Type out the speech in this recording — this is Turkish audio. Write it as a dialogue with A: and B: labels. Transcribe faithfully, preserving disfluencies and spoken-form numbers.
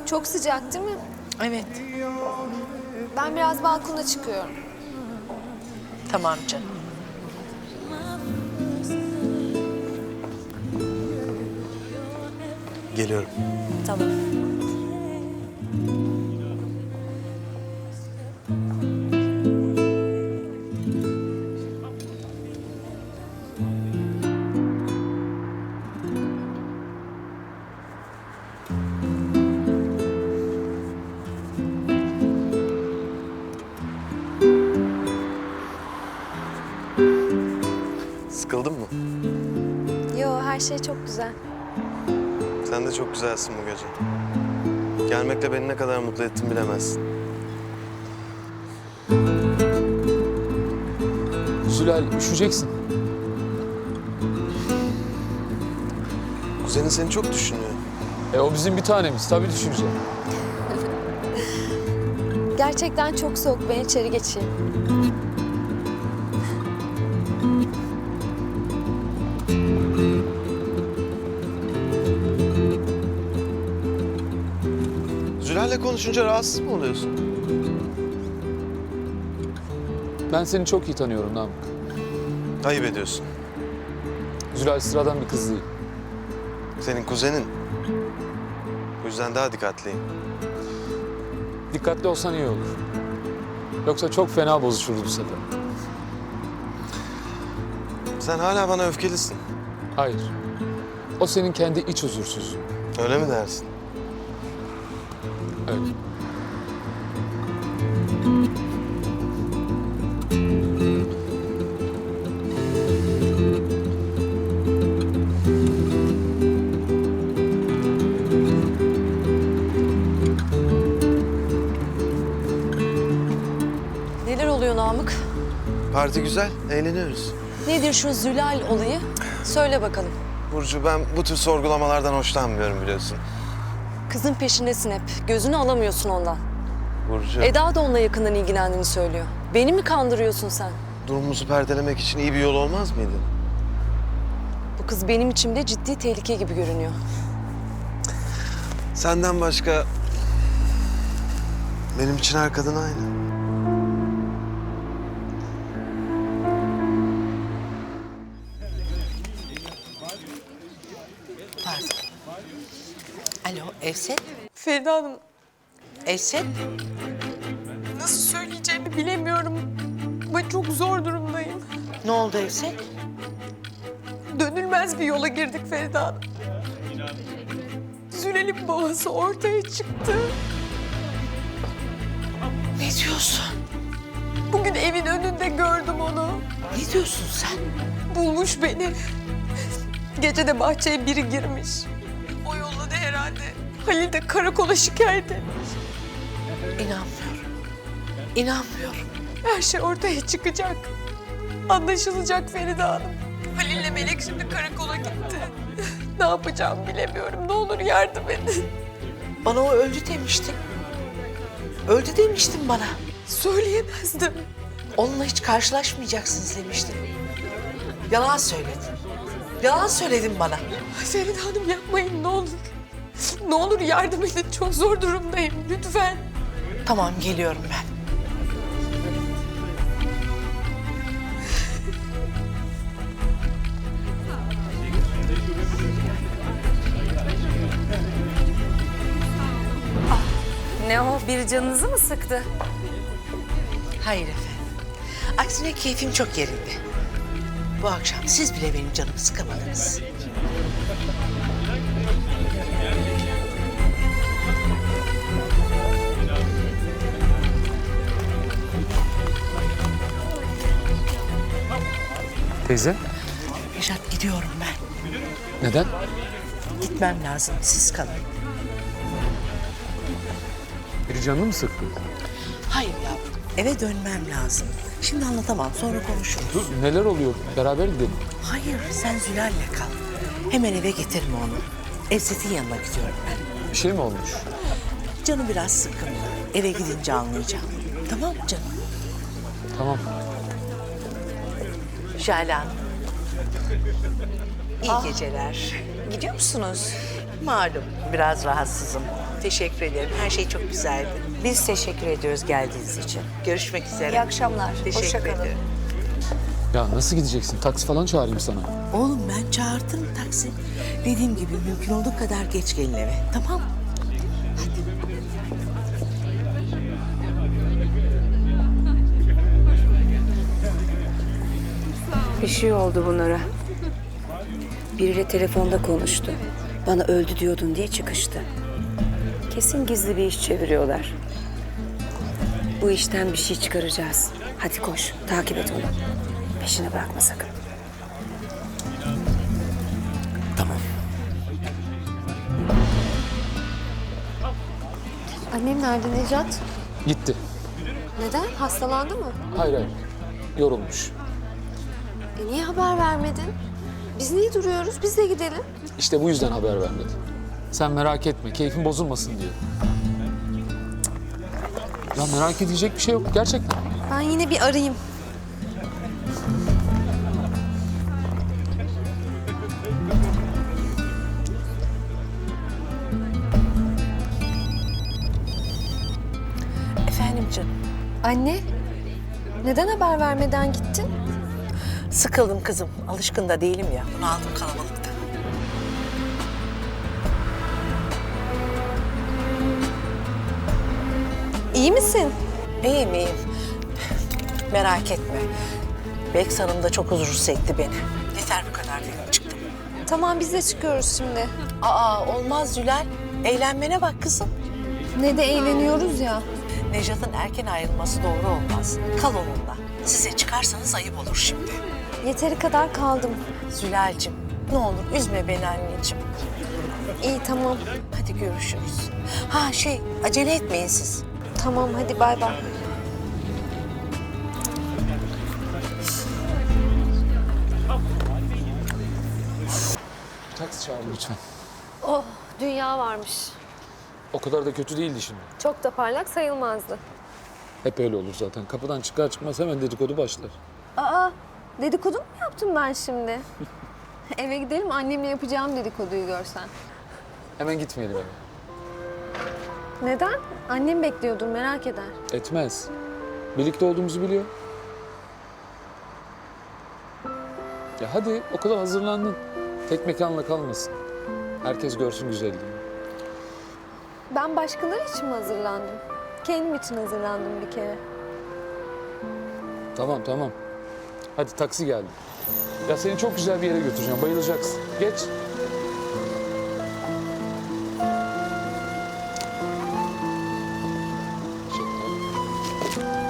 A: Çok sıcak değil mi?
B: Evet.
A: Ben biraz balkona çıkıyorum.
B: Tamam canım.
C: Geliyorum.
B: Tamam.
C: Sıkıldın mı?
A: Yo, her şey çok güzel.
C: Sen de çok güzelsin bu gece. Gelmekle beni ne kadar mutlu ettin bilemezsin.
D: Zülal, üşüyeceksin.
C: Kuzenin seni çok düşünüyor.
D: E o bizim bir tanemiz. Tabii düşünecek.
A: Gerçekten çok soğuk. Ben içeri geçeyim.
C: Zülal'le konuşunca rahatsız mı oluyorsun?
D: Ben seni çok iyi tanıyorum Namık.
C: Ayıp ediyorsun.
D: Zülal sıradan bir kız değil.
C: Senin kuzenin. Bu yüzden daha dikkatliyim.
D: Dikkatli olsan iyi olur. Yoksa çok fena bozuşurdu bu sefer.
C: Sen hala bana öfkelisin.
D: Hayır. O senin kendi iç huzursuzluğun.
C: Öyle mi dersin?
D: Öyle.
B: Neler oluyor Namık?
C: Parti güzel, eğleniyoruz.
B: Nedir şu Zülal olayı? Söyle bakalım.
C: Burcu, ben bu tür sorgulamalardan hoşlanmıyorum biliyorsun.
B: Kızın peşindesin hep. Gözünü alamıyorsun ondan.
C: Burcu,
B: Eda da onunla yakından ilgilendiğini söylüyor. Beni mi kandırıyorsun sen?
C: durumumuzu perdelemek için iyi bir yol olmaz mıydı?
B: Bu kız benim içimde ciddi tehlike gibi görünüyor.
C: Senden başka benim için her kadın aynı.
E: Pardon. Alo, Evset?
B: Feride Hanım,
E: Evset?
B: nasıl söyleyeceğimi bilemiyorum. Ben çok zor durumdayım.
E: Ne oldu Evset?
B: Dönülmez bir yola girdik Feride Hanım. Zülal'in babası ortaya çıktı.
E: Ne diyorsun?
B: Bugün evin önünde gördüm onu.
E: Ne diyorsun sen?
B: Bulmuş beni. Gece de bahçeye biri girmiş. O yolladı herhalde. Halil de karakola şikayet etmiş.
E: İnanmıyorum. İnanmıyorum.
B: Her şey ortaya çıkacak. Anlaşılacak Feride Hanım. Halil'le Melek şimdi karakola gitti. Ne yapacağımı bilemiyorum. Ne olur yardım edin.
E: Bana o öldü demiştin. Öldü demiştin bana.
B: Söyleyemezdim.
E: Onunla hiç karşılaşmayacaksınız demiştin. Yalan söyledin. Yalan söyledin bana.
B: Feride Hanım yapmayın ne olur. Ne olur yardım edin. Çok zor durumdayım. Lütfen.
E: Tamam, geliyorum ben.
F: Ne o? Bir canınızı mı sıktı?
E: Hayır efendim. Aksine keyfim çok yerinde. Bu akşam siz bile benim canımı sıkamadınız.
D: Teyze,
E: Nejat, gidiyorum ben.
D: neden?
E: Gitmem lazım. Siz kalın.
D: Biri canını mı sıktı?
E: Hayır yavrum. Eve dönmem lazım. Şimdi anlatamam. Sonra konuşuruz.
D: Dur, neler oluyor? Beraber gidelim.
E: Hayır, sen Zülal'le kal. Hemen eve getirme onu. Evset'in yanına gidiyorum ben.
D: Bir şey mi olmuş?
E: Canı biraz sıkkın. Eve gidince anlayacağım. Tamam mı canım?
D: Tamam.
E: Şale Hanım. İyi geceler.
F: Gidiyor musunuz?
E: Malum biraz rahatsızım. Teşekkür ederim. Her şey çok güzeldi.
G: Biz teşekkür ediyoruz geldiğiniz için.
E: Görüşmek üzere.
G: İyi akşamlar.
E: Teşekkür
G: Hoşça kalın.
E: ederim.
D: Ya nasıl gideceksin? Taksi falan çağırayım sana.
E: Oğlum ben çağırtırım taksi. Dediğim gibi mümkün olduğu kadar geç gelin eve. Tamam mı?
G: Bir şey oldu bunlara. Biriyle telefonda konuştu. Bana öldü diyordun diye çıkıştı. Kesin gizli bir iş çeviriyorlar. Bu işten bir şey çıkaracağız. Hadi koş, takip et onu. Peşini bırakma sakın.
E: Tamam.
A: Annem nerede Necat?
D: Gitti.
A: Neden? Hastalandı mı?
D: Hayır hayır. Yorulmuş.
A: E niye haber vermedin? Biz niye duruyoruz? Biz de gidelim.
D: İşte bu yüzden haber vermedi. Sen merak etme, keyfin bozulmasın diye. Ya merak edilecek bir şey yok gerçekten.
A: Ben yine bir arayayım.
E: Efendim canım.
A: Anne, neden haber vermeden gittin?
E: Sıkıldım kızım. Alışkın da değilim ya. Bunu aldım kalabalıkta.
A: İyi misin?
E: İyiyim iyiyim. Merak etme. Beks Hanım da çok huzursuz etti beni. Yeter bu kadar dedim çıktım.
A: Tamam biz de çıkıyoruz şimdi.
E: Aa olmaz Zülal. Eğlenmene bak kızım.
A: Ne de eğleniyoruz ya.
E: Nejat'ın erken ayrılması doğru olmaz. Kal onunla. Size çıkarsanız ayıp olur şimdi.
A: Yeteri kadar kaldım.
E: Zülal'cim ne olur üzme beni anneciğim.
A: İyi tamam.
E: Hadi görüşürüz. Ha şey acele etmeyin siz.
A: Tamam hadi bay bay.
D: Taksi çağır lütfen.
A: Oh dünya varmış.
D: O kadar da kötü değildi şimdi.
A: Çok da parlak sayılmazdı.
D: Hep öyle olur zaten. Kapıdan çıkar çıkmaz hemen dedikodu başlar.
A: Aa dedikodu mu yaptım ben şimdi? Eve gidelim annemle yapacağım dedikoduyu görsen.
D: Hemen gitmeyelim eve.
A: Neden? Annem bekliyordur merak eder.
D: Etmez. Birlikte olduğumuzu biliyor. Ya hadi okula hazırlandın. Tek mekanla kalmasın. Herkes görsün güzelliğini.
A: Ben başkaları için mi hazırlandım? Kendim için hazırlandım bir kere.
D: Tamam tamam. Hadi taksi geldi. Ya seni çok güzel bir yere götüreceğim. Bayılacaksın. Geç. Teşekkürler.